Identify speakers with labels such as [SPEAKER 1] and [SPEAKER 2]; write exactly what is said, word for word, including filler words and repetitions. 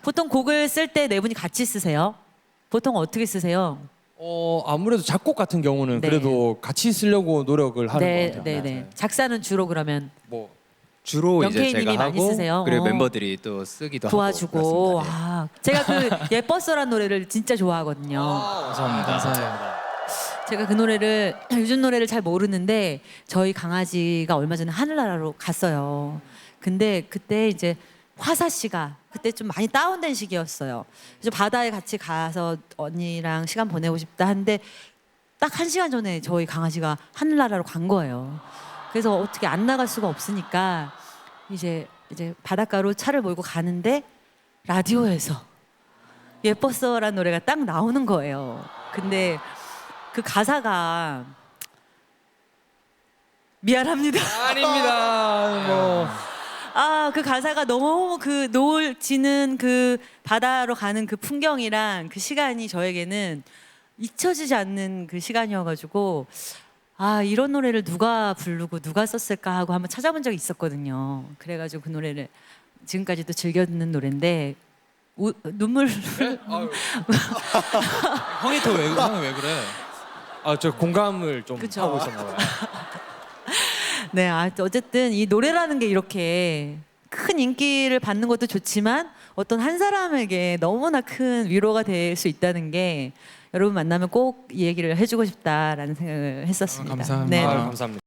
[SPEAKER 1] 보통 곡을 쓸 때 네 분이 같이 쓰세요? 보통 어떻게 쓰세요?
[SPEAKER 2] 어 아무래도 작곡 같은 경우는
[SPEAKER 1] 네.
[SPEAKER 2] 그래도 같이 쓰려고 노력을 하는
[SPEAKER 1] 네,
[SPEAKER 2] 것 같아요.
[SPEAKER 1] 네, 네. 작사는 주로 그러면
[SPEAKER 2] 뭐
[SPEAKER 3] 주로 이제
[SPEAKER 1] 영케이님이
[SPEAKER 3] 제가
[SPEAKER 1] 많이
[SPEAKER 3] 하고
[SPEAKER 1] 쓰세요?
[SPEAKER 3] 그리고
[SPEAKER 1] 어.
[SPEAKER 3] 멤버들이 또 쓰기도
[SPEAKER 1] 도와주고.
[SPEAKER 3] 하고 그렇습니다. 네.
[SPEAKER 1] 아, 제가 그 예뻤어란 노래를 진짜 좋아하거든요.
[SPEAKER 3] 감사합니다.
[SPEAKER 1] 제가 그 노래를 요즘 노래를 잘 모르는데 저희 강아지가 얼마 전에 하늘나라로 갔어요. 근데 그때 이제 화사 씨가 그때 좀 많이 다운된 시기였어요. 그래서 바다에 같이 가서 언니랑 시간 보내고 싶다 하는데 딱 한 시간 전에 저희 강아지가 하늘나라로 간 거예요. 그래서 어떻게 안 나갈 수가 없으니까 이제 이제 바닷가로 차를 몰고 가는데 라디오에서 예뻤어라는 노래가 딱 나오는 거예요. 근데 그 가사가 미안합니다.
[SPEAKER 2] 아닙니다. 뭐
[SPEAKER 1] 아, 그 가사가 너무 그 노을 지는 그 바다로 가는 그 풍경이랑 그 시간이 저에게는 잊혀지지 않는 그 시간이어가지고 아, 이런 노래를 누가 부르고 누가 썼을까 하고 한번 찾아본 적이 있었거든요. 그래가지고 그 노래를 지금까지도 즐겨 듣는 노래인데 우, 눈물
[SPEAKER 4] 형이 또왜 형이 왜 그래?
[SPEAKER 2] 아 저 공감을 좀
[SPEAKER 1] 그쵸.
[SPEAKER 2] 하고 있었나 봐요.
[SPEAKER 1] 네, 아, 어쨌든 이 노래라는 게 이렇게 큰 인기를 받는 것도 좋지만 어떤 한 사람에게 너무나 큰 위로가 될 수 있다는 게 여러분 만나면 꼭 이 얘기를 해주고 싶다라는 생각을 했었습니다.
[SPEAKER 4] 아, 감사합니다.
[SPEAKER 1] 네.
[SPEAKER 2] 아, 감사합니다.